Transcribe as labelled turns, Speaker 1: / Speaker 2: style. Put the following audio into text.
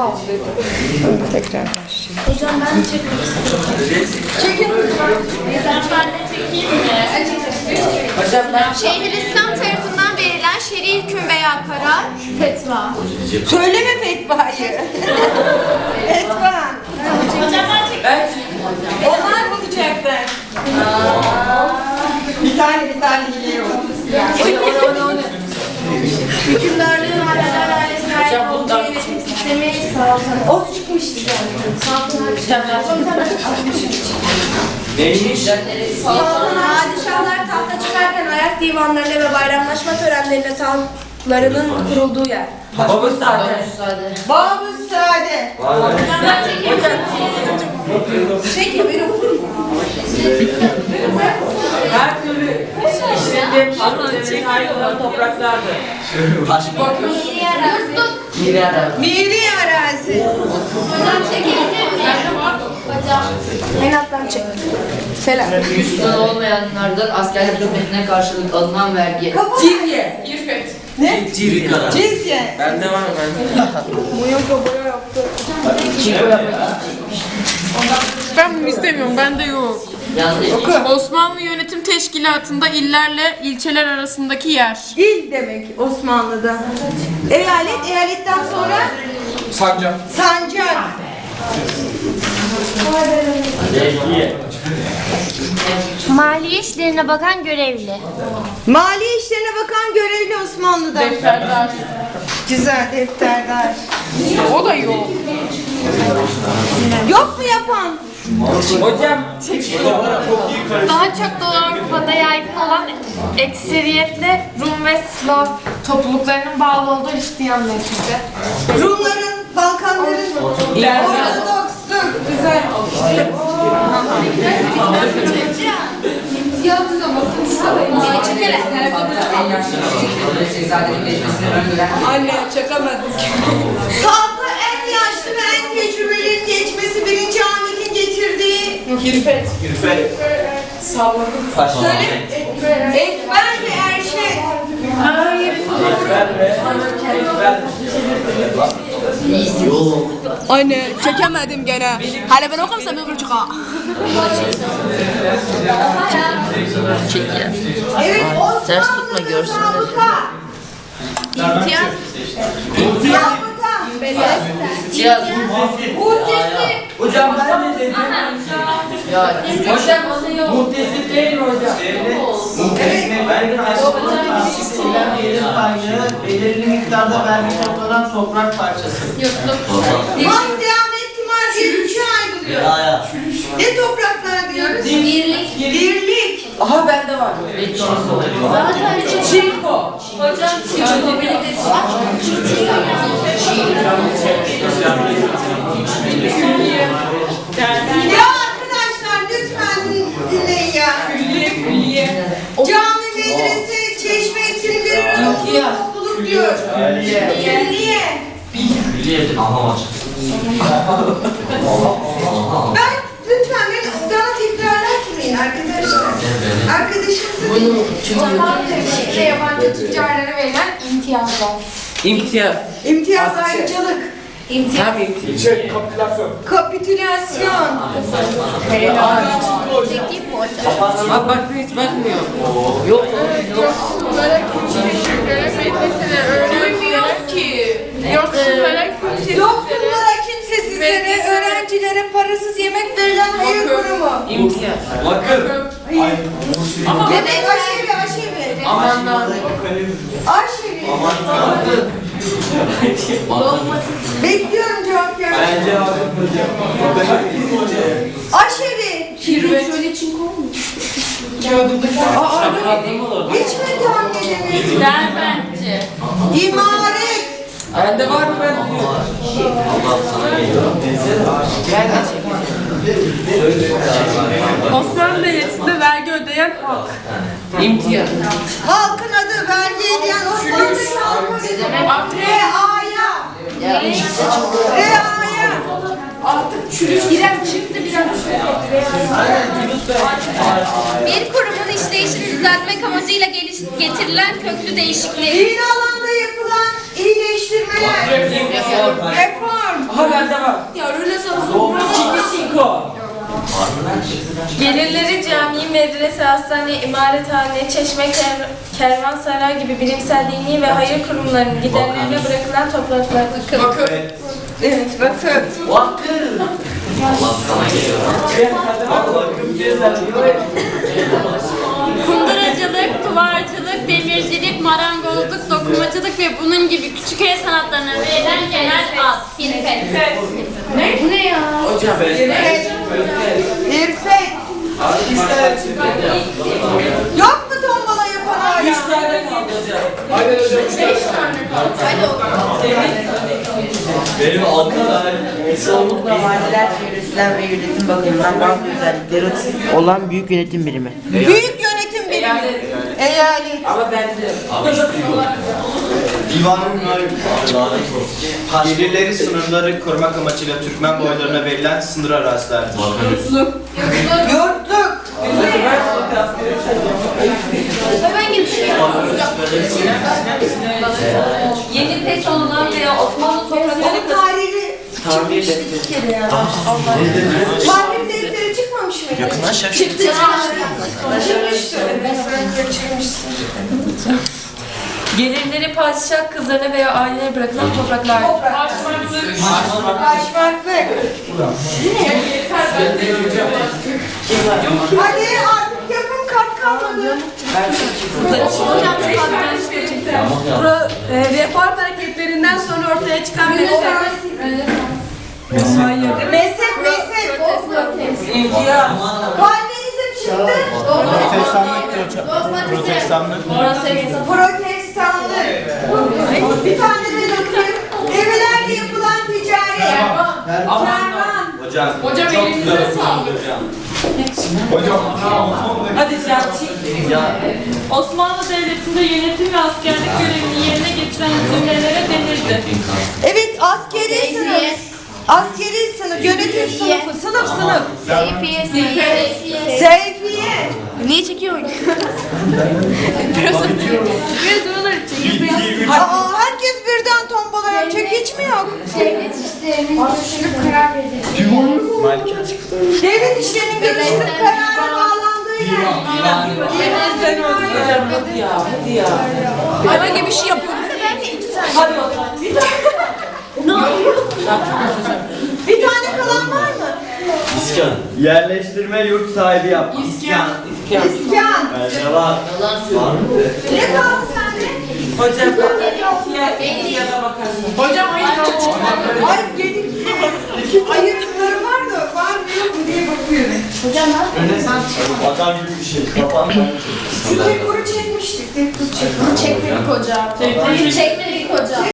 Speaker 1: Tekrar başlayalım.
Speaker 2: Hocam ben çekmek istiyorum. Çekin lütfen. Ben de çekeyim mi?
Speaker 3: Hocam ben
Speaker 2: Şeyhülislam tarafından verilen şer'i hüküm veya karar fetva.
Speaker 1: Söyleme fetvayı. Fetva.
Speaker 2: Hocam ben çekeyim.
Speaker 1: Onlar bulacaklar. Bir tane geliyor.
Speaker 2: Hükümdarlığın halleder hale sahip olduğu yönetim sistemi saltanat.
Speaker 1: O çıkmıştı
Speaker 3: neymiş?
Speaker 2: Padişahlar tahta çıkarken ayak divanlarına ve bayramlaşma törenlerine tahtlarının kurulduğu yer.
Speaker 3: Babamız zaten.
Speaker 1: Babus Sade.
Speaker 2: Ben çekeyim.
Speaker 1: Çekin beni okur mu?
Speaker 3: Her türlü işlettiğim haklarının ait olan topraklardı. Miri arazi.
Speaker 1: Miri arazi.
Speaker 2: Hocam çekebilir miyim? Hocam. Menattan çek. Selam.
Speaker 4: Müslüman olmayanlardan askerlik hizmetine karşılık alınan vergi.
Speaker 1: Cirye. Ne? Cizye.
Speaker 3: Bende var
Speaker 5: Ben bunu istemiyorum, bende yok.
Speaker 4: Yanlış.
Speaker 5: Osmanlı Yönetim Teşkilatı'nda illerle ilçeler arasındaki yer.
Speaker 1: İl demek Osmanlı'da. Eyalet, eyaletten sonra
Speaker 3: Sancak.
Speaker 1: sancak.
Speaker 6: Maliye işlerine bakan görevli.
Speaker 1: Mali işlerine bakan görevli Osmanlı'da.
Speaker 5: Defterdar.
Speaker 1: Güzel defterdar.
Speaker 5: O da yok.
Speaker 1: Yok mu yapan?
Speaker 3: Hocam.
Speaker 6: Daha çok Doğu Avrupa'da yaygın olan ekseriyetle Rum ve Slav topluluklarının bağlı olduğu Hristiyan mezhebi.
Speaker 1: Rumların, Balkanların Ortodoksluk. Güzel.
Speaker 3: Anne çakamadım.
Speaker 1: Tahta en yaşlı ve en tecrübelilerin geçmesi birinci Ahmet'in getirdiği
Speaker 5: Hirfet.
Speaker 1: söyle. Ekber ve Erşet.
Speaker 5: Anne çekemedim gene. Hala ben okursam öbür çıkar.
Speaker 1: Evet,
Speaker 4: Ters tutma,
Speaker 1: Osmanlı'da
Speaker 4: görsünler.
Speaker 1: zabıta.
Speaker 2: İmtiyaz.
Speaker 1: Zabıta.
Speaker 4: Cihaz.
Speaker 1: Muhtesi.
Speaker 3: Hocam ben ne dedim?
Speaker 4: Ya.
Speaker 3: Hocam muhtesip değil mi hocam?
Speaker 7: Kişisinden gelir kaynağı belirli miktarda vergi toplanan toprak parçası.
Speaker 1: Mahdiyamet Timar diye üçe ayrılıyor. Ne topraklar diyoruz?
Speaker 2: Birlik.
Speaker 1: Birlik.
Speaker 3: Aha bende var.
Speaker 1: Çinko.
Speaker 2: Hocam çiğ birlikte
Speaker 1: Ya arkadaşlar lütfen dinleyin ya. Cami, medrese, çeşme, hepsinin bir topluluk diyor. Niye? Ben lütfen bana tekrar etmeyin arkadaşlar. Arkadaşınızı
Speaker 2: Osmanlı yabancı tüccarlara verilen imtiyazlar.
Speaker 3: İmtiyaz.
Speaker 1: imtiyaz ayrıcalık.
Speaker 3: Tabii imtiyaz.
Speaker 1: Kapitülasyon.
Speaker 3: Bak bak hiç bakmıyor. Yok.
Speaker 5: Duymuyoruz ki. Yoksullara kimse.
Speaker 1: Yoksullara, kimsesizlere, öğrencilere parasız yemek verilen hayır kurumu.
Speaker 3: İmtiyaz.
Speaker 1: Demek aşevi.
Speaker 3: Amanlar.
Speaker 1: Aşevi. Bekliyorum cevap gelsin. Aşevi. Hiç mi tahmin edemiyorsun?
Speaker 2: Derbentçi.
Speaker 1: İmaret.
Speaker 3: Bende var mı ben?
Speaker 5: Osmanlı Devleti'nde vergi ödeyen halk.
Speaker 3: İmtiyaz.
Speaker 1: Halkın adı vergi ödeyen Osmanlı halkı. Reaya. Reaya.
Speaker 2: Artık çürük giren çıktı biraz. Bir kurumun işleyişini düzeltmek amacıyla getirilen köklü değişiklik.
Speaker 1: Dini alanda yapılan iyileştirmeler. Reform.
Speaker 3: Aha bende var.
Speaker 2: Ya Rönesans
Speaker 3: Cinco.
Speaker 6: Gelirleri cami, medrese, hastane, imarethane, çeşme, kervansaray gibi bilimsel, dini ve hayır kurumlarının giderlerine bırakılan topraklar.
Speaker 2: Evet bakın.
Speaker 7: Vakıf.
Speaker 8: Kunduracılık, duvarcılık, demircilik, marangozluk, dokumacılık ve bunun gibi küçük el sanatlarına verilen genel ad. Firket.
Speaker 2: Bu ne ya?
Speaker 3: Hocam.
Speaker 1: İrfet. Yok mu tombala yapan hala?
Speaker 3: 3 tane kaldı hocam.
Speaker 9: Benim altımda
Speaker 7: Çoğunlukla valiler yönetilen ve yönetim bakımından bazı özellikleri olan büyük yönetim birimi.
Speaker 1: Büyük yönetim birimi. Eyalet.
Speaker 3: Ama bende.
Speaker 9: divanın gelirleri sınırları korumak amacıyla Türkmen boylarına verilen sınır arazilerdir.
Speaker 1: Yurtluk.
Speaker 8: Yeni pek olunan veya Osmanlı toprakları
Speaker 1: Tarihi çıkmış bir kere ya. Tarih defteri çıkmamış mıydı?
Speaker 9: Yakından şef.
Speaker 1: Çıktı. Çıkmıştı.
Speaker 6: Gelirleri padişah kızlarına veya ailelere bırakılan topraklar.
Speaker 1: Başmaklık. Hadi artık yapın kat kalmadı.
Speaker 2: Reform hareketlerinden sonra ortaya çıkan
Speaker 1: Mezhep.
Speaker 3: İmtiyaz.
Speaker 1: Kalbinizin çıktı. Protestanlık. Bir tane de okuyayım. Evilerde yapılan ticaret. Kervan.
Speaker 9: Hocam çok güzel okudunuz hocam.
Speaker 3: Hadi sen çık.
Speaker 5: Osmanlı Devleti'nde yönetim ve askerlik görevini yerine getiren zümrelere denirdi.
Speaker 1: Evet, askeri sınıf. Askeri sınıf, yönetim sınıfı, sınıf. Seyfiye.
Speaker 2: Niye çekiyor?
Speaker 1: Aa, herkes birden tombala yapacak, hiç mi yok?
Speaker 2: Devlet işlerinin görüşülüp karar verildi.
Speaker 1: Devlet işlerinin görüşülüp karara bağlandığı yer.
Speaker 3: Hadi ya. Hadi ya.
Speaker 2: Hayvan gibi bir şey yapıyor.
Speaker 3: Hadi bakalım.
Speaker 1: Bir tane kalan var mı?
Speaker 9: İskan. Yerleştirme yurt sahibi yapmak.
Speaker 3: İskan.
Speaker 1: İskan.
Speaker 9: Yalan. Var mı?
Speaker 1: Ne kaldı sende?
Speaker 3: Hocam ya da bakarsın. Hocam
Speaker 1: Ay yedik. Ayırtıklarım var da var mı yok mu diye bakıyorum.
Speaker 9: Vatan gibi bir şey. Kapan.
Speaker 1: Şu tek kuru çekmiştik. Tek kuru çekmiştik.
Speaker 2: Çekmedik hocam. Çekmedik hocam.